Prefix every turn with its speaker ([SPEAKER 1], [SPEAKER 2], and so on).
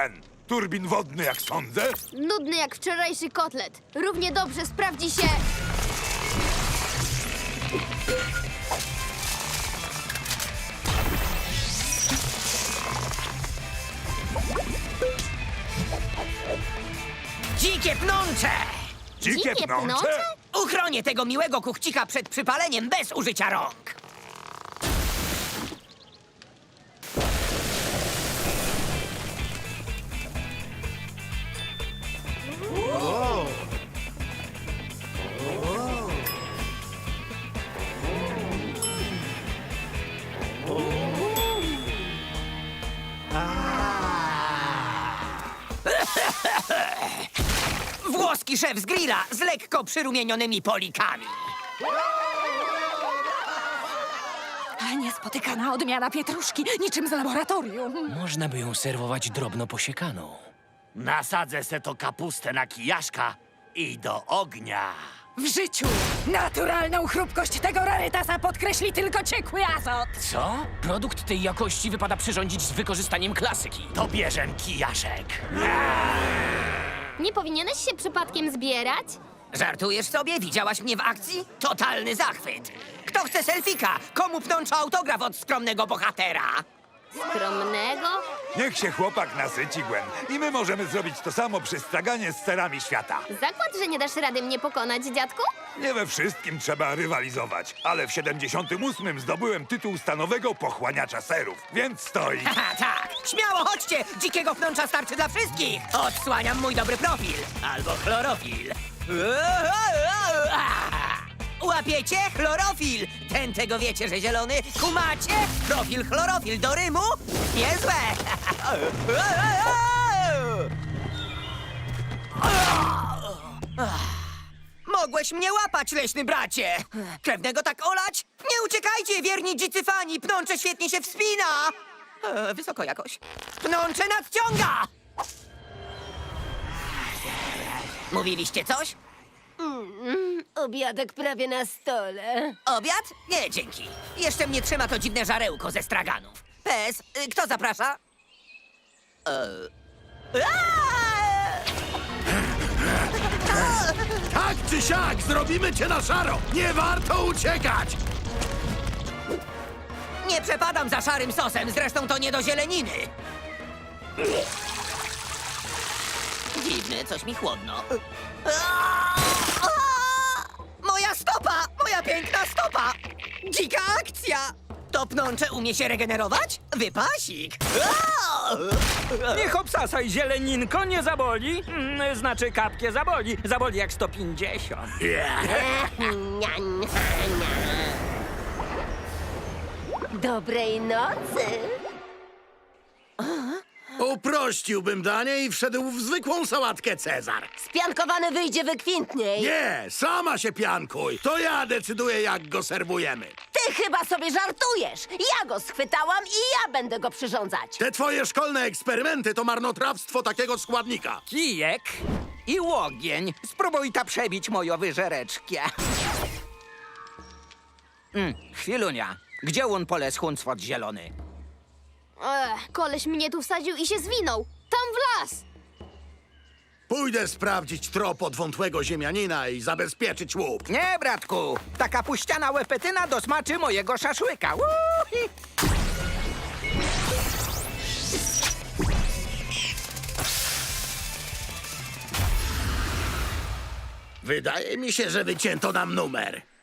[SPEAKER 1] Gwen? Turbin wodny, jak sądzę?
[SPEAKER 2] Nudny jak wczorajszy kotlet. Równie dobrze sprawdzi się...
[SPEAKER 3] Dzikie pnącze!
[SPEAKER 1] Dzikie pnącze?
[SPEAKER 2] pnącze?
[SPEAKER 3] Uchronię tego miłego kuchcika przed przypaleniem bez użycia rąk. Włoski szef z grilla z lekko przyrumienionymi polikami.
[SPEAKER 4] Niespotykana odmiana pietruszki, niczym z laboratorium.
[SPEAKER 5] Można by ją serwować drobno posiekaną.
[SPEAKER 6] Nasadzę se to kapustę na kijaszka i do ognia.
[SPEAKER 4] W życiu naturalną chrupkość tego rarytasa podkreśli tylko ciekły azot.
[SPEAKER 5] Co? Produkt tej jakości wypada przyrządzić z wykorzystaniem klasyki.
[SPEAKER 6] To bierzem kijaszek.
[SPEAKER 2] Nie powinieneś się przypadkiem zbierać?
[SPEAKER 3] Żartujesz sobie? Widziałaś mnie w akcji? Totalny zachwyt. Kto chce selfika? Komu pnącza autograf od skromnego bohatera?
[SPEAKER 2] Skromnego?
[SPEAKER 1] Niech się chłopak nasyci, Gwen. I my możemy zrobić to samo przy straganie z serami świata.
[SPEAKER 2] Zakład, że nie dasz rady mnie pokonać, dziadku?
[SPEAKER 1] Nie we wszystkim trzeba rywalizować, ale w 78 zdobyłem tytuł stanowego pochłaniacza serów, więc stoi.
[SPEAKER 3] Haha, tak. Śmiało chodźcie! Dzikiego pnącza starczy dla wszystkich. Odsłaniam mój dobry profil. Albo chlorofil. Łapiecie? Chlorofil! Ten tego wiecie, że zielony. Kumacie? Profil chlorofil do rymu? Niezłe! Mogłeś mnie łapać, leśny bracie! Krewnego tak olać? Nie uciekajcie, wierni dzicy fani! Pnącze świetnie się wspina! Wysoko jakoś. Pnącze nadciąga! Mówiliście coś?
[SPEAKER 7] Obiadek prawie na stole.
[SPEAKER 3] Obiad? Nie, dzięki. Jeszcze mnie trzyma to dziwne żarełko ze straganów. Pes, kto zaprasza?
[SPEAKER 8] Tak czy siak, zrobimy cię na szaro! Nie warto uciekać!
[SPEAKER 3] Nie przepadam za szarym sosem, zresztą to nie do zieleniny. Dziwne, coś mi chłodno. Moja stopa! Moja piękna stopa! Dzika akcja! To pnącze umie się regenerować? Wypasik!
[SPEAKER 9] Niech obsasaj zieleninko, nie zaboli. Znaczy kapkie zaboli. Zaboli jak 150.
[SPEAKER 7] Dobrej nocy.
[SPEAKER 8] Uprościłbym danie i wszedł w zwykłą sałatkę Cezar.
[SPEAKER 7] Spiankowany wyjdzie wykwintniej.
[SPEAKER 8] Nie, sama się piankuj. To ja decyduję, jak go serwujemy.
[SPEAKER 7] Ty chyba sobie żartujesz. Ja go schwytałam i ja będę go przyrządzać.
[SPEAKER 8] Te twoje szkolne eksperymenty to marnotrawstwo takiego składnika.
[SPEAKER 9] Kijek i łogień. Spróbuj ta przebić moją wyżereczkę. Chwilunia. Gdzie on pole schunstwot zielony?
[SPEAKER 2] Koleś mnie tu wsadził i się zwinął. Tam w las!
[SPEAKER 8] Pójdę sprawdzić trop od wątłego ziemianina i zabezpieczyć łup.
[SPEAKER 9] Nie, bratku. Taka puściana łepetyna dosmaczy mojego szaszłyka. Uhi.
[SPEAKER 8] Wydaje mi się, że wycięto nam numer.